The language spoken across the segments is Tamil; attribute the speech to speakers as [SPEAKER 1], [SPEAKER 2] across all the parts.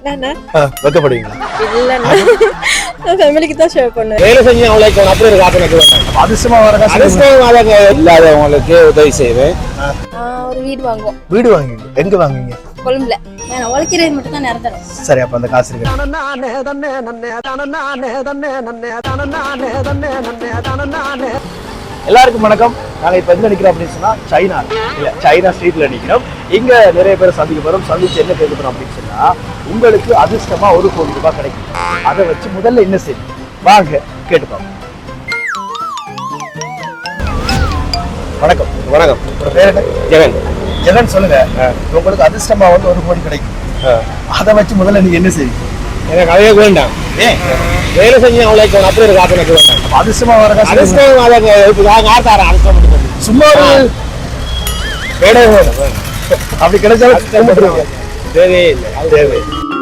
[SPEAKER 1] வைக்கப்படுவீங்களா?
[SPEAKER 2] ஃபேமிலிக்கு தான் ஷேர் பண்ணுவேன்.
[SPEAKER 1] வேலை செஞ்சு அவங்களுக்கு அப்படி ஒரு காப்பி எனக்கு அதிர்ஷ்டமா வர இல்லாதவங்களுக்கு உதவி செய்வேன்.
[SPEAKER 2] ஒரு வீடு வாங்குவோம்.
[SPEAKER 1] வீடு வாங்குவீங்க? எங்க வாங்குவீங்க?
[SPEAKER 2] கொழும்புல. நான் உழைக்கிறது மட்டும் தான் நிரந்தரம்.
[SPEAKER 1] சரி, அப்ப அந்த காசு இருக்கு. எல்லாருக்கும் வணக்கம். நாங்க இப்ப எங்க நிக்கிறோம் அப்படின்னு சொன்னா சைனா ஸ்ட்ரீட்ல நிக்கிறோம். இங்க நிறைய பேர் சந்திக்க போறோம். சந்திச்சு என்ன கேட்க போறோம் அப்படின்னு சொன்னா, உங்களுக்கு அதிர்ஷ்டமா 1 கோடி ரூபாய் கிடைக்கும். அதை வச்சு முதல்ல என்ன செய்யும்? வாங்க கேட்டுப்போம். வணக்கம். வணக்கம். உங்க பேர் என்ன? ஜெகன். ஜெகன், சொல்லுங்க. உங்களுக்கு அதிர்ஷ்டமா 1 கோடி கிடைக்கும். அதை வச்சு முதல்ல நீங்க என்ன செய்வீங்க? எனக்கு அவையே வேண்டாம். வேலை செஞ்சு அவங்களுக்கு அப்படி ஒரு காப்பி எனக்கு வேண்டாம். அதிர்ஷ்டமா வர சும்மா அப்படி கிடைச்சாலும் தேவையே இல்லை. தேவை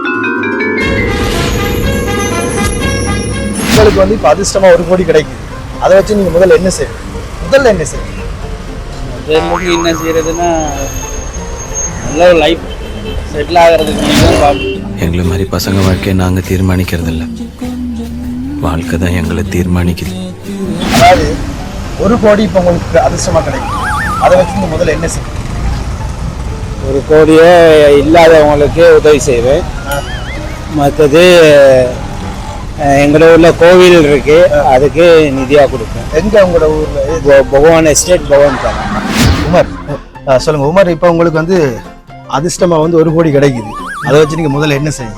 [SPEAKER 1] உங்களுக்கு வந்து இப்ப அதிர்ஷ்டமா 1 கோடி கிடைக்குது. அதை வச்சு நீங்க முதல்ல என்ன செய்வீங்க? முதல்ல என்ன செய்வீங்க?
[SPEAKER 3] என்ன செய்யறதுன்னா நல்ல ஒரு லைஃப் செட்டில் ஆகிறதுக்கு.
[SPEAKER 4] எங்களை மாதிரி பசங்க வாழ்க்கையை நாங்க தீர்மானிக்கிறது இல்லை, வாழ்க்கை தான் எங்களை தீர்மானிக்குது.
[SPEAKER 1] அதாவது 1 கோடி இப்ப உங்களுக்கு அதிர்ஷ்டமா கிடைக்கும். அதை வச்சு நீங்க முதல்ல என்ன செய்வீங்க?
[SPEAKER 3] 1 கோடியே இல்லாதவங்களுக்கு உதவி செய்வேன். மற்றது எங்களோட ஊர்ல கோவில் இருக்கு, அதுக்கு நிதியா கொடுப்பேன்.
[SPEAKER 1] எங்க உங்களோட ஊர்ல?
[SPEAKER 3] பகவான் எஸ்டேட் பகவான் தான்.
[SPEAKER 1] உமர், சொல்லுங்க உமர். இப்ப உங்களுக்கு வந்து அதிர்ஷ்டமா 1 கோடி கிடைக்குது. அதை வச்சு நீங்க முதல்ல என்ன செய்வீங்க?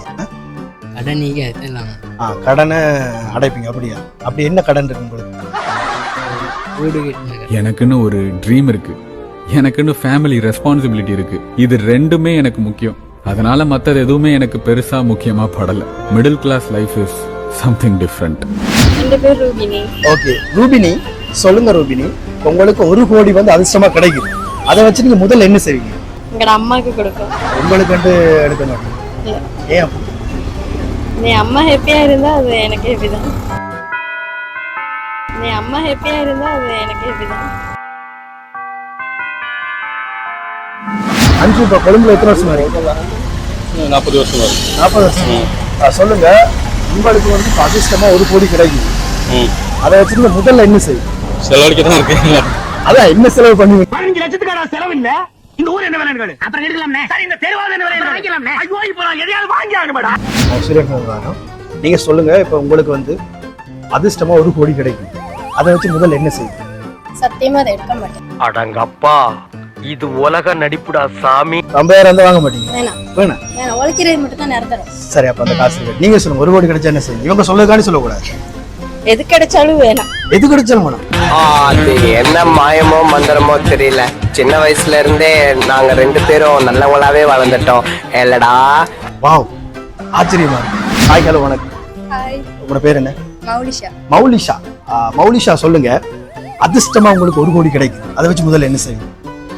[SPEAKER 1] கடனை அடைப்பீங்க. அப்படியா? அப்படி என்ன கடன் இருக்கு உங்களுக்கு?
[SPEAKER 5] எனக்குன்னு ஒரு ட்ரீம் இருக்கு, எனக்குன்னு ஃபேமிலி ரெஸ்பான்சிபிலிட்டி இருக்கு. இது ரெண்டுமே எனக்கு முக்கியம். அதனால மற்றது எதுவுமே எனக்கு பெருசா முக்கியமா படல. Middle class life is something different.
[SPEAKER 2] என் பேர் ரூபினி.
[SPEAKER 1] ஓகே ரூபினி, சொல்லுங்க ரூபினி. உங்களுக்கு 1 கோடி வந்து அதிர்ஷ்டமா கிடைக்குது. அதை வச்சு நீங்க முதல்ல என்ன செய்வீங்க?
[SPEAKER 2] எங்க அம்மாக்கு கொடுக்கும்.
[SPEAKER 1] உங்களுக்கு எடுக்க மாட்டீங்க? ஏன்?
[SPEAKER 2] நீ அம்மா ஹாப்பியா இருந்தா அது எனக்கு ஹாப்பி தான். நீ அம்மா ஹாப்பியா இருந்தா அது எனக்கு ஹாப்பி தான்.
[SPEAKER 1] அஞ்சு. இப்ப கொழும்புல எத்தனை வருஷமா இருக்கு?
[SPEAKER 3] 40 வருஷம் வரும்.
[SPEAKER 1] 40 வருஷம். சொல்லுங்க, உங்களுக்கு வந்து அதிர்ஷ்டமா 1 கோடி கிடைக்குது. அதை வச்சு நீங்க முதல்ல என்ன செய்வீங்க?
[SPEAKER 3] செலவழிக்க தான் இருக்கு.
[SPEAKER 1] அதான் என்ன செலவு பண்ணுவீங்க?
[SPEAKER 6] 15 லட்சத்துக்கான செலவு இல்ல. இந்த ஊர் என்ன வேலை அப்புறம் எடுக்கலாம்னே. சரி, இந்த தெருவாத என்ன வேலை வாங்கிக்கலாம்னே. ஐயோ, இப்போ நான் எதையாவது வாங்கி ஆகணும்டா.
[SPEAKER 1] நீங்க சொல்லுங்க, இப்ப உங்களுக்கு வந்து அதிர்ஷ்டமா 1 கோடி கிடைக்கும். அதை வச்சு முதல்ல என்ன செய்வீங்க?
[SPEAKER 2] சத்தியமா அதை எடுக்க மாட்டேன்.
[SPEAKER 6] அடங்கப்பா, இது உலக நடிப்புடா சாமி.
[SPEAKER 1] 50,000 வாங்க மாட்டீங்க?
[SPEAKER 2] வேணாம். நான் உழைக்கிறது மட்டும் தான் நிரந்தரம்.
[SPEAKER 1] சரி, அப்ப அந்த காசு இருக்கு. நீங்க சொல்லுங்க, 1 கோடி கிடைச்சா என்ன செய்வீங்க? இவங்க சொல்லக்கூடாது, சொல்லக்கூடாது.
[SPEAKER 2] எது கிடைச்சாலும் வேணாம்.
[SPEAKER 1] எது கிடைச்சாலும் வேணாம்.
[SPEAKER 7] அது என்ன மாயமோ மந்திரமோ தெரியல. சின்ன வயசுல இருந்தே நாங்க 2 பேரும் நல்லவங்களாவே வளர்ந்துட்டோம் இல்லடா.
[SPEAKER 1] வாவ், ஆச்சரியமா இருக்கு. ஹாய், ஹலோ, வணக்கம்.
[SPEAKER 2] ஹாய்.
[SPEAKER 1] உங்க பேர் என்ன?
[SPEAKER 2] மௌலிஷா.
[SPEAKER 1] மௌலிஷா. மௌலிஷா, சொல்லுங்க. அதிர்ஷ்டமா உங்களுக்கு 1 கோடி கிடைக்குது. அதை வச்சு முதல்ல என்ன செய்வீங்க?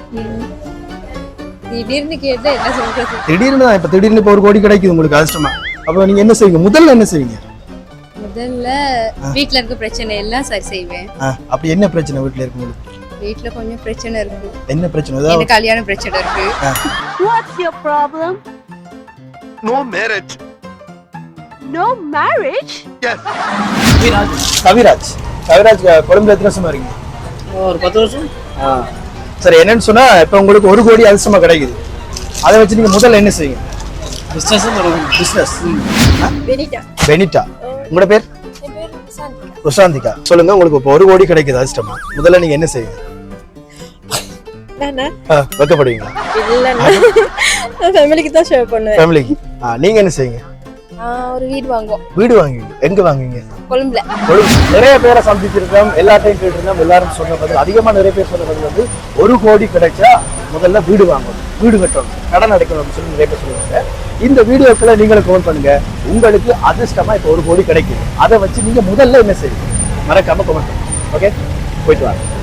[SPEAKER 2] திடீர்னு கேட்டா என்ன சொல்றது?
[SPEAKER 1] திடீர்னு இப்ப 1 கோடி கிடைக்குது உங்களுக்கு அதிர்ஷ்டமா. அப்ப நீங்க என்ன செய்வீங்க? முதல்ல என்ன செய்வீங்க?
[SPEAKER 2] முதல்ல வீட்ல இருக்க பிரச்சனை எல்லாம் சரி செய்வேன்.
[SPEAKER 1] அப்படி என்ன பிரச்சனை வீட்ல இருக்கு உங்களுக்கு?
[SPEAKER 2] வீட்ல கொஞ்சம் பிரச்சனை இருக்கு.
[SPEAKER 1] என்ன பிரச்சனை?
[SPEAKER 2] எனக்கு கல்யாண பிரச்சனை இருக்கு.
[SPEAKER 8] What's your problem?
[SPEAKER 6] No marriage.
[SPEAKER 8] No marriage?
[SPEAKER 6] Yes.
[SPEAKER 1] Kaviraj. கொழும்புல எத்தனை வருஷமா இருக்கீங்க?
[SPEAKER 3] ஒரு 10 வருஷம்.
[SPEAKER 1] சரி, என்னன்னு சொன்னா இப்ப உங்களுக்கு 1 கோடி அதிர்ஷ்டமா கிடைக்குது. அதை வச்சு நீங்க முதல்ல என்ன செய்வீங்க? பிசினஸ். பெனிட்டா. உங்களோட பேர்? ருஷாந்திகா. சொல்லுங்க, உங்களுக்கு இப்போ 1 கோடி கிடைக்குது அதிர்ஷ்டமா. முதல்ல நீங்க என்ன செய்வீங்க? வைக்கப்படுவீங்களா?
[SPEAKER 2] ஃபேமிலிக்கு தான் ஷேர் பண்ணுவேன்.
[SPEAKER 1] ஃபேமிலிக்கு. நீங்க என்ன செய்வீங்க?
[SPEAKER 2] ஒரு வீடு வாங்குவோம்.
[SPEAKER 1] வீடு வாங்குவீங்க? எங்க வாங்குவீங்க?
[SPEAKER 2] கொழும்புல.
[SPEAKER 1] நிறைய பேரை சந்திச்சிருக்கோம், எல்லாத்தையும் கேட்டிருந்தோம். எல்லாரும் சொன்ன பதில், அதிகமா நிறைய பேர் சொன்ன பதில் வந்து 1 கோடி கிடைச்சா முதல்ல வீடு வாங்கணும், வீடு கட்டணும், கடன் அடைக்கணும் அப்படின்னு சொல்லி நிறைய பேர் சொல்லுவாங்க. இந்த வீடியோக்களை நீங்களும் கமெண்ட் பண்ணுங்க. உங்களுக்கு அதிர்ஷ்டமா இப்போ 1 கோடி கிடைக்குது. அதை வச்சு நீங்க முதல்ல என்ன செய்வீங்க? மறக்காம கமெண்ட் பண்ணுங்க. ஓகே, போயிட்டு வாங்க.